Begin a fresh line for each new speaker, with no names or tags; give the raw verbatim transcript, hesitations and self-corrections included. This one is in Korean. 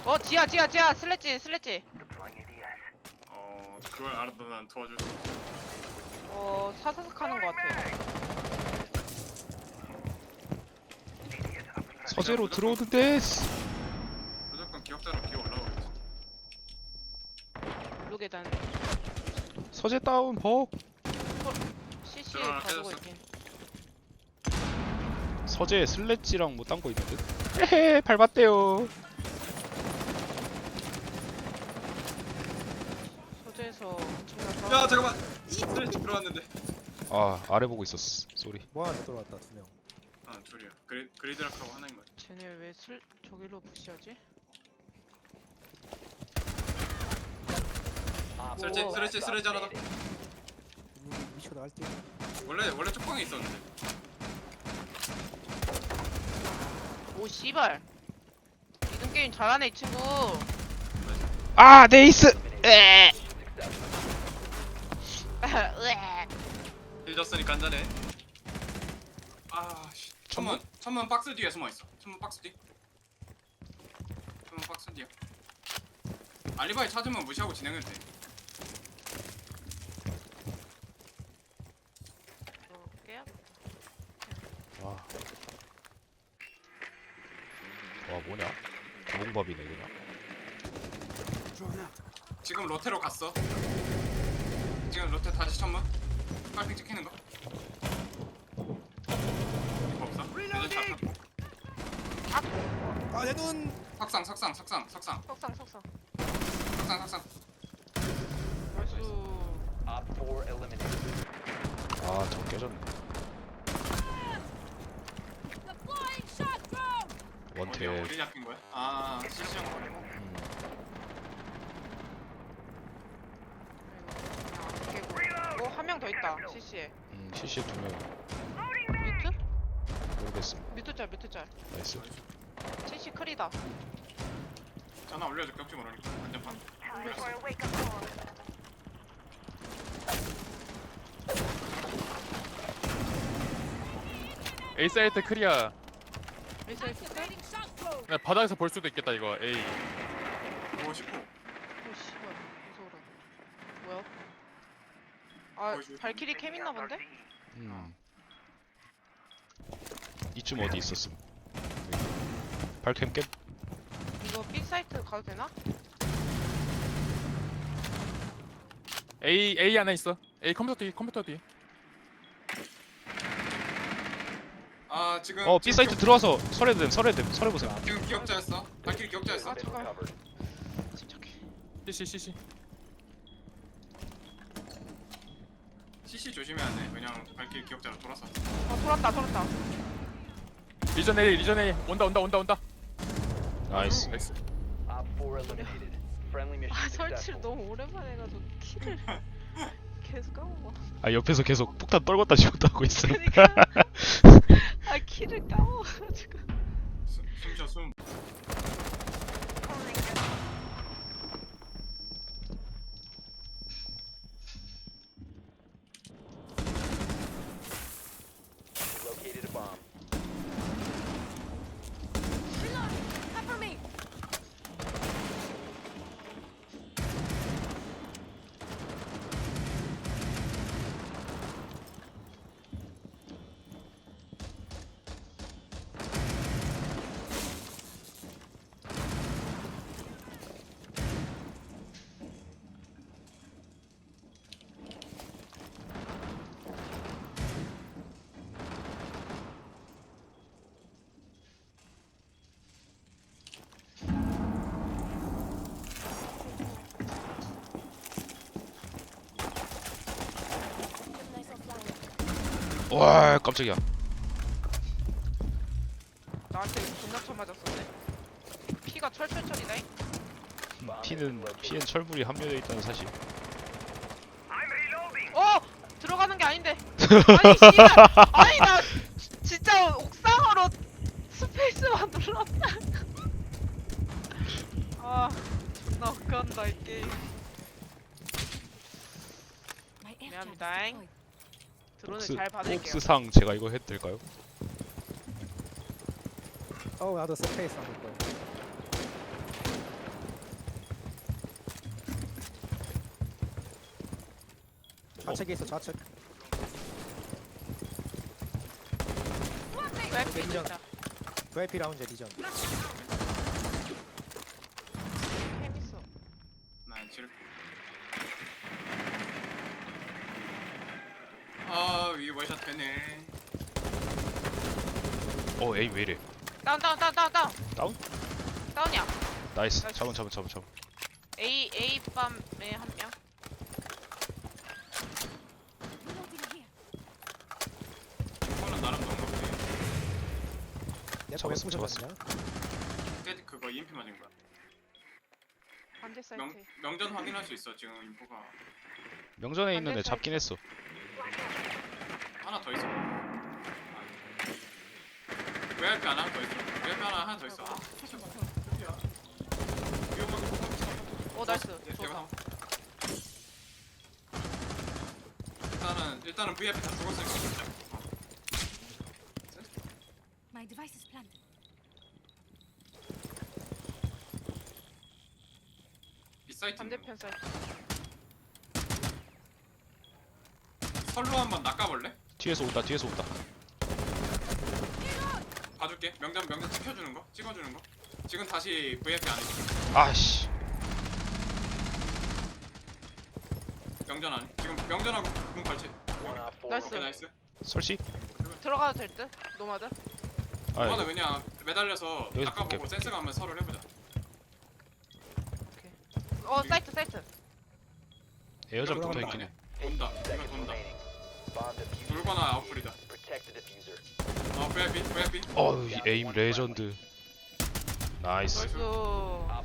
어 지하 지하 지하 슬래지 슬래지.
어 그걸 알아도 난 도와줄 수 없어.
어 사사삭 하는 것 같아.
서재로 들어오는데.
무조건 기억자로 기어 올라오겠지.
블루 계단.
서재 다운 벅.
씨씨
들어가나
가지고
깨졌어.
있긴.
서재 슬래지랑 뭐 딴 거 있는데. 헤헤 밟았대요.
소재에서 엄청난.
야 잠깐만. 스트레치 들어왔는데.
아 아래 보고 있었어. 쏘리.
뭐 하나 들어왔다 두 명.
아 둘이야. 그리 그리드락하고 하나인 거야.
쟤네 왜 슬 저기로 푸시하지?
스트레치
오.
스트레치 스트레치 하나 더.
미쳐 나갈 때.
원래 원래 쪽방에 있었는데.
오 씨발. 이등 게임 잘하네 이 친구.
아 네이스. 에.
으에.
힐 졌으니까 한잔해. 아 씨. 천문 천문 박스 뒤에 숨어 있어. 천문 박스 뒤. 천문 박스 뒤야. 알리바이 찾으면 무시하고 진행해도 돼.
볼게요.
와. 와 뭐냐? 자봉밥이네 그냥.
지금 로테로 갔어. 지금 로테 다시 천문. 빨핑 찍히는 거. 이거 없어? 대전 차 타고.
아내 눈.
석상 석상 석상 석상
석상 석상.
석상 석상.
벌써.
Op four eliminated.
아 저거 깨졌네. 원태.
어디 어디 잡힌 거야? 아 실시간 거.
음.
어, 한 명 더 있다. 씨씨에.
음 씨씨 두 명.
뮤트?
모르겠음.
뮤트짤 뮤트짤.
나이스.
씨씨 크리다.
전화 올려줄게 혹시 모르니까 안전판.
A 사이트 크리아.
미사일 스텔?
그냥 바닥에서 볼 수도 있겠다 이거 A.
오고 싶고.
오 씨발 무서워라. 뭐야? 아
보여줄
발키리 캠 있나 본데?
음. 이쯤 어디 있었음. 발캠 깼.
이거 B 사이트 가도 되나?
A A 하나 있어. A 컴퓨터 뒤 컴퓨터 뒤.
아 지금
어 B
지금
사이트
기억-
들어와서 설해됨 설해됨 설해보세요.
지금 기억자였어. 발키리 기억자였어.
아 잠깐.
Recovered.
침착해.
C C C C.
씨씨 조심해야 돼. 그냥 발키리 기억자로 돌아서.
아 돌았다 돌았다.
리전 A 리전 A 온다 온다 온다 온다.
나이스.
나이스.
Op four eliminated. Friendly mission
아 설치를
successful.
너무 오랜만에 해가지고 키를 계속 까먹어.
아 옆에서 계속 폭탄 떨궜다 지웠다 하고 있음.
그러니까 아 키를 까먹어가지고.
숨쉬어 숨.
Located a bomb.
와 깜짝이야.
나한테 존나 쳐맞았었네. 피가 철철철이네.
피는 피엔 철불이 함유되어 있다는 사실.
어 들어가는 게 아닌데. 아니 씨발. 아니 나 진짜 옥상으로 스페이스만 눌렀다. 아 존나 웃간다 이 게임. 미안합니다잉. 드론을
복스
잘 받을게요.
복스상 제가 이거 해도 될까요?
어 나도 스페이스 안 볼 거야. 좌측에 있어 좌측.
왜
리전.
진짜
브이아이피 라운지 리전.
캠 있어.
나 지를. 아 위에 월샷 되네.
어 에이 왜 이래?
다운 다운 다운 다운 다운.
다운?
다운이야.
나이스.
나이스.
잡은 잡은 잡은 잡은.
A A 밤에 한 명.
이거는 나름 너무 없네.
잡았어, 잡았어.
깨 그거 이엠피 맞은 거야.
반대 사이트.
명 명전 확인할 수 있어 지금 인포가
명전에 있는 애
반대
잡긴 했어.
하나 더 있어. 브이아이피 하나 더 있어. 브이아이피 하나 하나 더 있어. 아, 위험하게 못 봤어.
오 나이스.
네,
좋다.
대박. 일단은 일단은 브이아이피 다 죽었으니까 진짜. 어.
My device is planted.
이 사이트 있는 거.
반대편 사이트.
설로 한번 낚아볼래?
뒤에서 온다. 뒤에서 온다.
봐줄게. 명전 명전 찍혀주는 거, 찍어주는 거. 지금 다시 브이아이피 안에 있어.
아씨.
명전 안에. 지금 명전하고 문 걸치.
One Op four
Nice.
오케이
remaining.
나이스.
설치?
들어가도 될 듯? 노마드?
아
이거는 그냥 매달려서
여기서
낚아보고
볼게.
센스가 한번 서로 해보자.
오케이. 어 사이트 사이트.
에어잡
이거
붙어
돈다.
있긴 해.
돈다. 이거
Seconds
돈다.
remaining. Bomb diffuser.
돌거나 아웃풀이다.
Protect the diffuser.
어 브이아이피 브이아이피.
어우 이 에임 레전드. 나이스.
나이스.
수.